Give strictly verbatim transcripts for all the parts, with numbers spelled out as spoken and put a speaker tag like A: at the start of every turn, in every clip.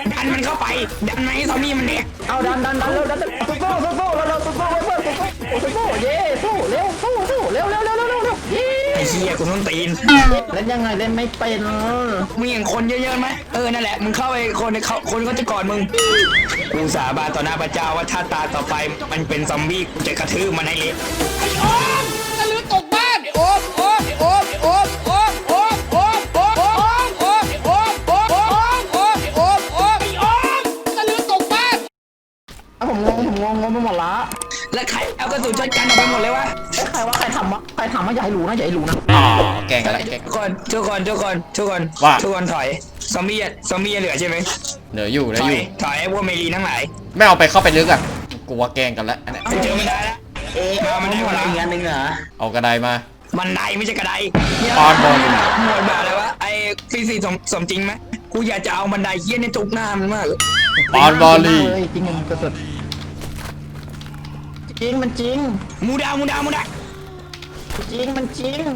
A: ดันมันเข้าไปดันไหมซอมบี้มันเนี่ย
B: เอาดันดันดันเร็วดันสู้สู้สู้สู้เราสู้สู้เพื่อนสู้สู้เย้สู้เร็วสู้สู้เร็วเร็วเร็วเร็วเร็วเย้
A: ไอ้เหี้ยกูต้องตีน
B: เล่นยังไงเล่นไม่เป็น
A: มึงเห็นคนเยอะๆไหมเออนั่นแหละมึงเข้าไปคนเขาคนก็จะกอดมึงกูสาบานต่อหน้าพระเจ้าว่าถ้าตาต่อไปมันเป็นซอมบี้กูจะกระทืบมันให้เละ
C: โอ๊มตะลือตกบ้านโอ๊มโอ๊มโอ๊มโอ๊มโอ๊มโอ๊มโอ๊มโอ๊มโอ๊มโอ๊มโอ๊มโอ๊มโอ๊มโอ๊มโอ๊มโอ๊มโอ๊มตะลือตกบ้าน
B: ผมงงผมงงงงไปหมดละ
A: แล้วใครเอากระสุนช็อตกันออกไปหมดเลยวะ
B: ใครว่าใครทำวะใครทำวะอย่าให้รู้นะอย่าให้รู้นะ
D: อ๋อแกงกันละแกง
A: ทุกคนทุกคนทุกคนทุกคนทุกคนถอยซอมบี้ซอมบี้เหลือใช่ไหม
D: เหลืออยู่เหลื
A: ถ
D: อ
A: อ
D: อย ยู่
A: ถอยไอ้พวกเมลีทั้งหลาย
D: ไม่เอาไปเข้าไปลึกอ่ะกูว่าแกงกันละอันนี้
A: เจอไม่ได้แล้ว
B: เอ๊ะมันได้อะไรเงี้ยนึงเหรอ
D: เอากระไดมา
A: บันไดไม่ใช่กระได
D: ปอนบอล
A: หมดแบบเลยวะไอ้ฟิสิกส์สมสมจริงไหมกูอยากจะเอาบันไดเฮี้ยในจุกหน้ามันมาก
D: ปอนบอลลี่
B: จริงมันกระสุนจริงมันจริง
A: มูดามูดามูดา
B: จริงมันจริง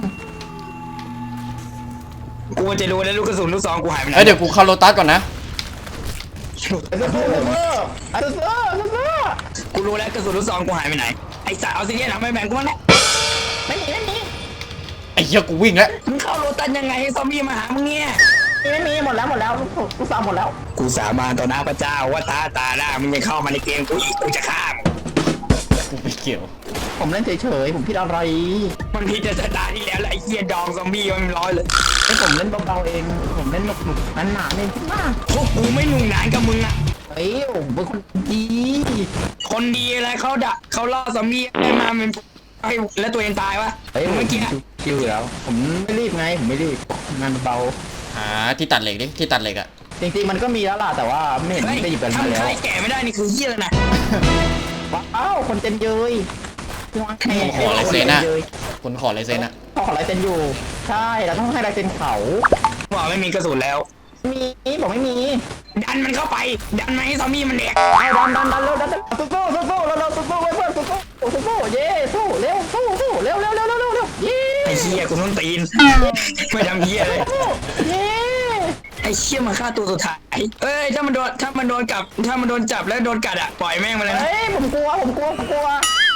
A: กูจะรู้แล้วลูกกระสุนลูกซองกูหายไปไหน
D: เอ้ยเดี๋ยวกูเข้าโลตัสก่อนนะ
B: ไอ้เสื้อไอ้เสื้อไอ้เสื้อ
A: กูรู้แล้วกระสุนลูกซองกูหายไปไหนไอ้สัตว์เอาซิเนียนไม่แบ่งกูมั้งเนี่ย
B: ไม่มีไม่มี
D: ไอ้เหี้ยกูวิ่งแล้ว
A: มึงเข้าโรตันยังไงให้ซอมบี้มาหามึงเนี่ย
B: ไม่มีหมดแล้วหมดแล้วลูกสาวหมดแล้ว
A: กูสาบานต่อหน้าพระเจ้าว่าตาตาหน้ามึงยังเข้ามาในเกมกูอีกกูจะฆ่ามึง
D: กูไม่เกี่ยว
B: ผมเล่นเฉยๆผมผิดอะไร
A: มันผิดแต่ตาที่แล้วแล้วไอ้เหี้ยดองซอมบี้มันร้อยเลย
B: ไอ้ผมเล่นเบาๆเองผมเล่นหนุกๆหนาๆเล่นมาก
A: พวกกูไม่หนุ่มหนานกับมึงอะ
B: เฮ้ยผมเป็นคนดี
A: คนดีอะไรเขาด่าเขาล่อซอมบี้ได้มาเป็นไอ้แล้วตัวเองตายวะ
B: เฮ้ยเมื่อกี้คิวแล้วผมไม่รีบไงผมไม่รีบงานเบา
D: หาที่ตัดเหล็กดิที่ตัดเหล็กอะ
B: จริงๆมันก็มีแล้วล่ะแต่ว่าไม่เห็นได้หยิบกันมาแล้ว
A: ถ้าแก่ไม่ได้นี่คือเหี้ยเลยนะ
B: ว้าวคนเต็มเยย
D: ขอลายเซ็นอะคนขอลายเซ็นอะ
B: ขอลายเซ็นอยู่ใช่เราต้องให้ลายเซ็นเขา
A: บอกไม่มีกระสุนแล้ว
B: มีบอกไม่มี
A: ดันมันเข้าไปดันไหมซอมบี้มันเด็ก
B: ดันดันดันเร็วดันสู้สู้สู้สู้เราสู้สู้เพื่อนสู้สู้สู้สู้เย้สู้เร็วสู้สู้เร็วเร็วเร็วเร็วเร็วเย้
A: ไอ้เหี้ยกูต้องตีนไม่ทำเหี้ยเลย
B: เย้
A: ไอ้เชี่ยมาฆ่าตัวสุดท้ายเอ้ยถ้ามันโดนถ้ามันโดนกัดถ้ามันโดนจับแล้วโดนกัดอ่ะปล่อยแม่งมาเลยนะ
B: เฮ้ยผมกลัวผมกลัวผมกลัว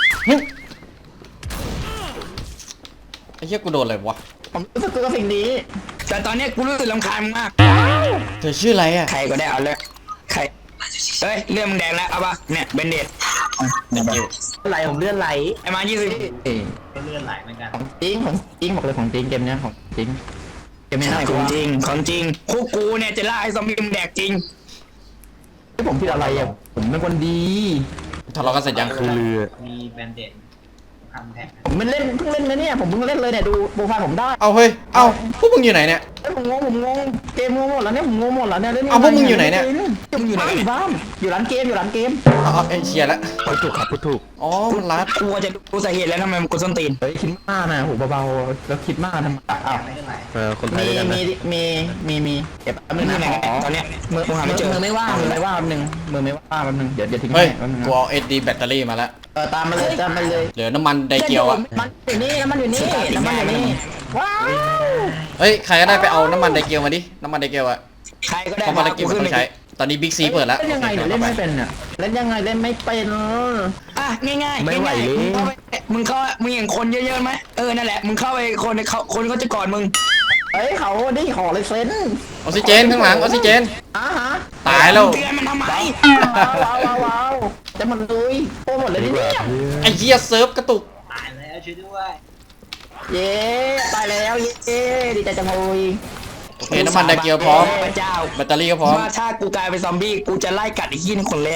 D: ไอ้เหี้ยกูโดนอะไรวะ
B: ผมรู้สึกกลัวสิ่งนี้
A: แต่ตอนนี้กูรู้สึกรำคาญมาก
D: เธอชื่ออะไรอ่ะ
A: ใครก็ได้เอาเลยใครเฮ้ยเลื่อนมึงแดงแล้วเอาปะเนี่ยเบนเดต
B: ไหลผมเลื่อนไหล
A: ไอ้มายี่สิบ
B: เลื่อนไหลเหมือนกันของจริงของจริงบอกเลยของจริงเกมนี้ของจริงเกมนี้น่า
A: ของจริงของจริงพวกกูเนี่ยจะล่าไอ้ซอมบี้มึงแดกจริง
B: ที่ผมผิดอะไรอ่ะผมเป็นคนดี
D: ทะเลาะกันเสร็จยังคือ
E: มีแบนเด็ดทำแท็ก
B: ผมมันเล่นเพิ่งเล่นนะเนี่ยผมเพิ่งเล่นเลยเนี่ยดูโปรไฟล์ผมได้
D: เอาเฮ้ยเอาพวกมึงอยู่ไหนเนี่ย
B: ผมงงผมงงเกมงงหมดแล้วเนี่ยผมงงหมดแล้วเนี่ย
D: เอาพวกมึงอยู่ไหนเนี่ย
B: มึงอยู่ไหนบ้านอยู่ร้านเกมอยู่ร้านเกม
D: อ๋อไอเชียแล้ว
B: พูดถูกครับพูดถูก
D: อ๋อมันรัด
A: กูจะดูสาเหตุแล้วทำไมมันกูส้นตีน
B: เฮ้ยคิดมากนะหูเบาๆแล้วคิดมากทำไมอ้าวเออคนไทยมีมีมีมีเก็บมือไหน
A: ตอนเนี้ย
B: มือมือไม่ว่างมือไม่ว่างแป๊บนึงมือไม่ว่างแป๊บนึงเดี๋ยวเดี๋ยวทิ้ง
D: ให้กูเอาเอสดีแบตเตอรี่มาแล้ว
B: เออตามมาเลยตามมาเลย
D: เหลือน้ำมันไดเกียวอ่ะ
B: มันอยู่นี่น้ำมันอยู่นี่น้ำมันอยู่นี่ว้าว
D: เฮ้ยใครก็ได้ไปเอาน้ำมันไดเกียวมาดิน้ำมันไดเกียวอ่ะ
A: ใครก็ได้
D: น้ำมันไดเกียวต้องใช้ตอนนี้บิ๊กซีเปิดแล้ว
B: เล่นยังไงเล่นไม่เป็นอ่ะเล่นยังไงเล่นไม่เป็น
A: อ่ะง่ายง่ายไม่ไหวเลยมึงเข้ามึงเห็นคนเยอะๆไหมเออนั่นแหละมึงเข้าไปคนเขาคนเขาจะกอดมึง
B: เฮ้ยเขาได้ขอเลยเซน
D: ออกซิเจนข้างหลังออกซิเจน
B: อ่ะฮะ
D: ตายแล้ว
A: เตือนมันทำไม
B: ว้าวว้าวว้าวจะมันลุยโปรหมดเลยเนี่ย
D: ไอ้เหี้ยเซิร์ฟกระตุก
E: ตายแล้วช่วยด้วย
B: เย้ตายแล้วเย้ดีใจจังเลย
D: โอเคน้ำมันไดเกียวพร้อม
A: พระเจ้า
D: แบตเตอรี่ก็พร้อม
A: ว่าถ้ากูกลายเป็นซอมบี้กูจะไล่กัดไอ้ขี้นี่คนแรก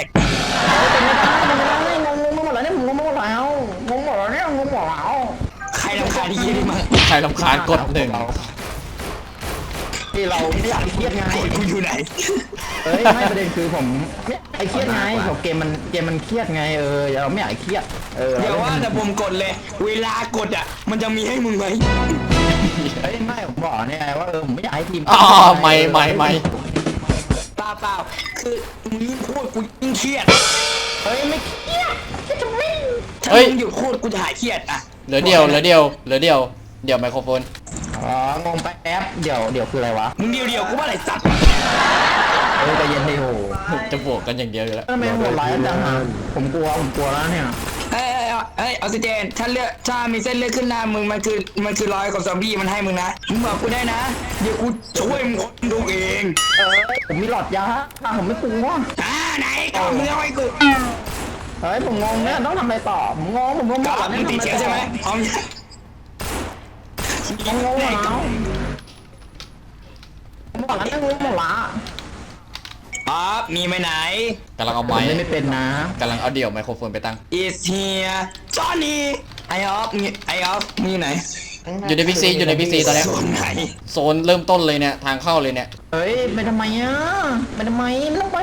B: งงงงหมดแล้วเนี่ยงงหมดแล้วงงหมดแล้วเนี่ยงงหมดแล้ว
A: ใครรำคาญไอ้ขี้นี่มั้ง
D: ใครรำคาญกดหนึ่ง
B: ที่เราไม่อยากเครียดไง
A: กูอยู่ไหน
B: เฮ้ยไม่ประเด็นคือผมไอ้เครียดไงผมเกมมันเกมมันเครียดไงเออเราไม่อยากเครียดเออ
A: เดี๋ยวว่าแต่ผมกดเลยเวลากดอ่ะมันจะมีให้มึงไหม
B: เฮ้ยไม่ผมบอกเนี่ยว่าเออผมไม่อยากให้ทีม
D: อ๋อไม่ไม่ไม่
A: เปล่าเปล่าคือมึงยิ่งพูดกูยิ่งเครียด
B: เฮ้ยไม่เครียดจะไม่
A: ถ้ามึงหยุดพูดกูจะหายเครียดอ่ะ
D: เหลือเดียวเหลือเดียวเหลือเดียวเดี๋ยวไมโครโฟน
B: อ๋องงไปแอปเดี๋ยวเดี๋ยวคืออะไรวะ
A: มึงเดียวเดียวกูว่าอะไรสัตว์
B: เออใจเย็นดิโห
D: จะบวกกันอย่างเดียวอยู่แล้ว
B: ทำไมโหดร้ายจังฮะผมกลัวผมกลัวแล้วเนี่ย
A: เอ้ยเอ้ยเอ้ยออกซิเจนถ้าเลือดถ้ามีเส้นเลือดขึ้นหน้ามึงมันคือมันคือรอยของซอมบี้มันให้มึงนะมึงบอกกูได้นะเดี๋ยวกูช่วยมึงคนดูเอง
B: เออผมมีหลอดยาอ่ะผมไม่กลัว
A: อ่าไหนก็มึงเอาไอ้กู
B: เฮ้ยผมงงเนี่ยต้องทำอะไรต่อผมงงผมงง
A: ก็
B: หมด
A: มึงติดเชื้อใช่ไหมพร้อม
B: ผมงงหมดแล้วผมบอกแล้วงงหมดละ
A: ป๊อปมีไปไหน
D: กำลังเอา
B: ผม
D: ไม้
B: เล่นไม่เป็นนะ
D: กำลังเอาเดี่ยวไมโครโฟนไปตั้ง
A: is here Johnny ไอออฟไอออฟมึงอยู่ไหน
D: อยู่ในพิกซีอยู่ในพิกซีตอนเนี้ย
A: ส่วนไหน
D: โซนเริ่มต้นเลยเนี่ยทางเข้าเลยเนี่ย
B: เฮ้ยไปทำไมอ่ะไปทำไมไม่ต้องไป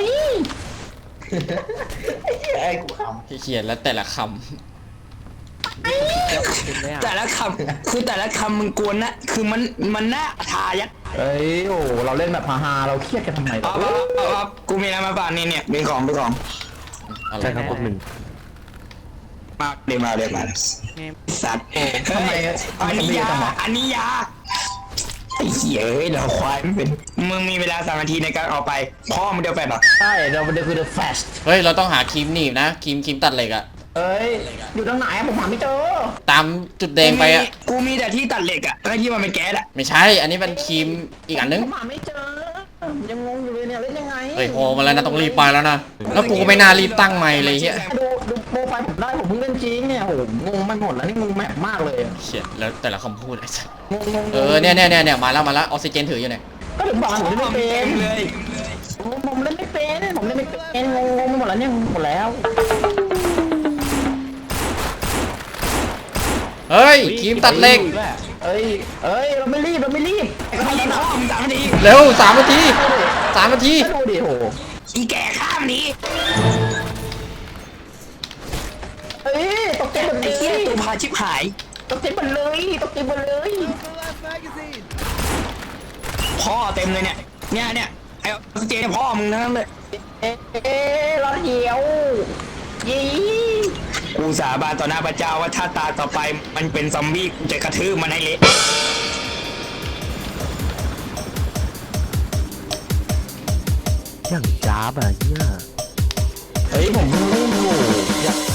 E: ไอ้กูข
D: ที่เขียนแล้วแต่ละค
A: แต่ละคำคือแต่ละคำมึงกวนนะคือมันมันน่าทายัด
B: เฮ้ยโอ้เราเล่นแบบฮาๆเราเครียดกันทำไม
A: ป๊อปป๊อปป๊อปป๊อปกูมีอะไรมาฝากนี่เนี่ยเป็นของเป็นของ
D: ำอะไร
F: ใช่ครับพวกหนึ่ง
A: มาเดี๋ยวมาเดี๋ยวมาสัตว์ทำไมอันนี้ยาอันนี้ยาไอ้เหี้ยเอ้ยเราควายไม่เป็นมึงมีเวลาสามนาทีในการออกไปพ่อมึงเดียวแฟนหรอ
B: ใช่เราเดี๋ยวคือ the fast
D: เฮ้ยเราต้องหาครีมหนีบนะครีมครีมตัดเหล็กอะ
B: เอ้ยอยู่ตรงไหนอะผมหาไม่เจอ
D: ตามจุดแดงไปอะ
A: กูมีแต่ที่ตัดเหล็กอะไอ้ที่มันเป็นแก๊สอะ
D: ไม่ใช่ อันนี้เป็นครีมอีกอันนึง
B: ผมหาไม่เจอยังงงอยู่เลยเนี่ยเล่นยังไง
D: เฮ้ยโหมาแล้วนะต้องรีบไปแล้วนะแล้วกูก็ไม่น่ารีบตั้งไมค์เลยเฮีย
B: ดูดูโปรไฟล์ผมได้ผมเพิ่งเล่นจริงเนี่ยโหงงไปหมดแล้วนี่งงแมปมากเลยอะ
D: เขียนแล้วแต่ละคำพูดไอ้สัส
B: งงงง
D: เออเนี่ยเนี่ยเนี่ยเนี่ยมาแล้วมาแล้วออกซิเจนถืออยู่เนี่ย
B: ก็ถึงบอกผมเล่นไม่เป็
A: เต็
B: น
A: มเลย
B: ผมผมเล่นไม่เป็นผมเล่นไม่เป็นงงงงไปหมดแล้วเนี่ยงงหมดแล้ว
D: เฮ้ยครีมตัดเหล็ก
B: เอ้ยเอ้ยเราไม่รีบเราไม่รีบ
A: ไม่รีบพ่อมึงสามนาที
D: เร็วสามนาทีสามนาที
B: ดูดิโห
A: อีแก่ข้ามนี้
B: เอ้ยตกใจหมดเล
A: ไอ้เหี้ย
B: ย
A: ตัวพาชิบหาย
B: ตกใจหมดเลยตกใจหมดเลย
A: พ่อเต็มเลยเนี่ยเนี่ยเนี่ยไอ้ออกซิเจนเนี่ยพ่อมึงทั้งนั้นเลย
B: เอ๊ะเอ๊ะรอเดียวยี่
A: กูสาบานต่อหน้าพระเจ้าว่าถ้าตาต่อไปมันเป็นซอมบี้กูจะกระทืบมันให้เละ
F: อย่างจ้าบอะเนี่ย
B: เฮ้ยผมเพิ่งเล่นอยู่อยาก